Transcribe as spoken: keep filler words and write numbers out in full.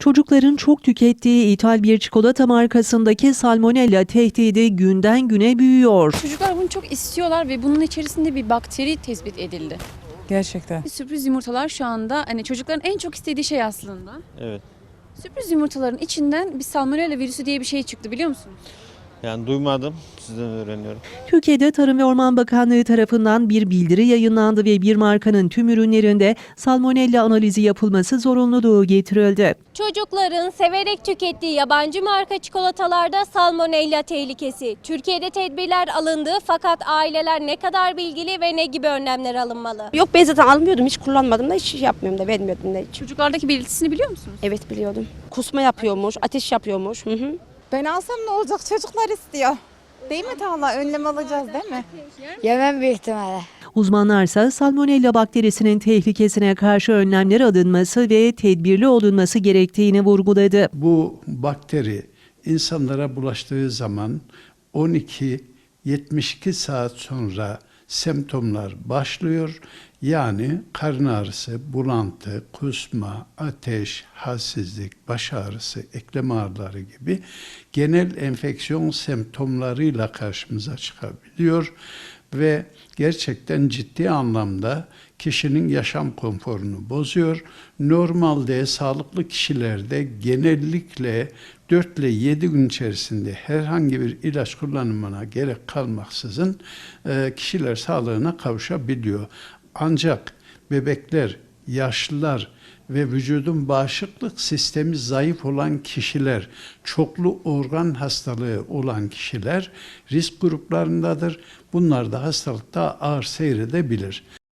Çocukların çok tükettiği ithal bir çikolata markasındaki salmonella tehdidi günden güne büyüyor. Çocuklar bunu çok istiyorlar ve bunun içerisinde bir bakteri tespit edildi. Gerçekten. Sürpriz yumurtalar şu anda hani çocukların en çok istediği şey aslında. Evet. Sürpriz yumurtaların içinden bir salmonella virüsü diye bir şey çıktı, biliyor musunuz? Yani duymadım. Sizden öğreniyorum. Türkiye'de Tarım ve Orman Bakanlığı tarafından bir bildiri yayınlandı ve bir markanın tüm ürünlerinde salmonella analizi yapılması zorunluluğu getirildi. Çocukların severek tükettiği yabancı marka çikolatalarda salmonella tehlikesi. Türkiye'de tedbirler alındı fakat aileler ne kadar bilgili ve ne gibi önlemler alınmalı? Yok, ben zaten almıyordum, hiç kullanmadım da, hiç yapmıyorum da, vermiyordum da hiç. Çocuklardaki belirtisini biliyor musunuz? Evet, biliyordum. Kusma yapıyormuş, ateş yapıyormuş. Hı hı. Ben alsam ne olacak? Çocuklar istiyor. Değil mi Talha? Önlem alacağız değil mi? Yemem büyük ihtimalle. Uzmanlarsa salmonella bakterisinin tehlikesine karşı önlemler alınması ve tedbirli olunması gerektiğini vurguladı. Bu bakteri insanlara bulaştığı zaman on iki yetmiş iki saat sonra semptomlar başlıyor. Yani karın ağrısı, bulantı, kusma, ateş, halsizlik, baş ağrısı, eklem ağrıları gibi genel enfeksiyon semptomlarıyla karşımıza çıkabiliyor ve gerçekten ciddi anlamda kişinin yaşam konforunu bozuyor. Normalde sağlıklı kişilerde genellikle dört ile yedi gün içerisinde herhangi bir ilaç kullanımına gerek kalmaksızın kişiler sağlığına kavuşabiliyor. Ancak bebekler, yaşlılar ve vücudun bağışıklık sistemi zayıf olan kişiler, çoklu organ hastalığı olan kişiler risk gruplarındadır. Bunlar da hastalıkta ağır seyredebilir.